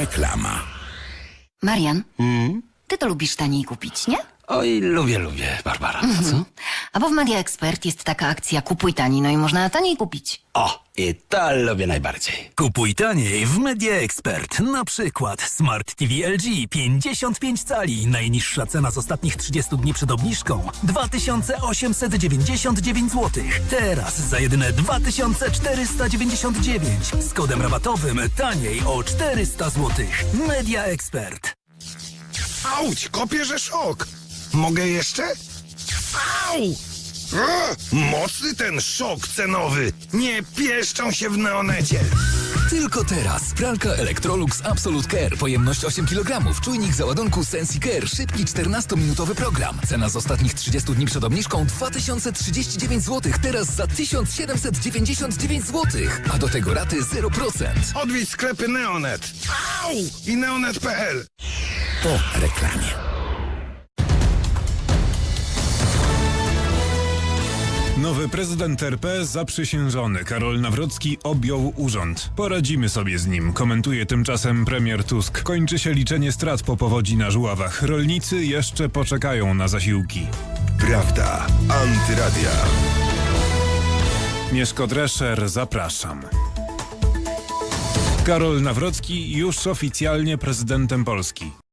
Reklama. Marian, ty to lubisz taniej kupić, nie? Oj, lubię, Barbara. Co? A bo w Media Expert jest taka akcja kupuj taniej, no i można taniej kupić. O, i to lubię najbardziej. Kupuj taniej w Media Expert. Na przykład Smart TV LG 55 cali. Najniższa cena z ostatnich 30 dni przed obniżką 2899 zł. Teraz za jedyne 2499. Z kodem rabatowym taniej o 400 zł. Media Expert. Auć, kopię, że szok. Mogę jeszcze? Au! Mocny ten szok cenowy. Nie pieszczą się w Neonecie. Tylko teraz pralka Electrolux Absolute Care, pojemność 8 kg, czujnik załadunku SensiCare, szybki 14-minutowy program. Cena z ostatnich 30 dni przed obniżką 2039 zł, teraz za 1799 zł, a do tego raty 0%. Odwiedź sklepy Neonet. Au! I neonet.pl. Po reklamie. Nowy prezydent RP zaprzysiężony Karol Nawrocki objął urząd. Poradzimy sobie z nim, komentuje tymczasem premier Tusk. Kończy się liczenie strat po powodzi na Żuławach. Rolnicy jeszcze poczekają na zasiłki. Prawda. Antyradia. Mieszko Drescher, zapraszam. Karol Nawrocki już oficjalnie prezydentem Polski.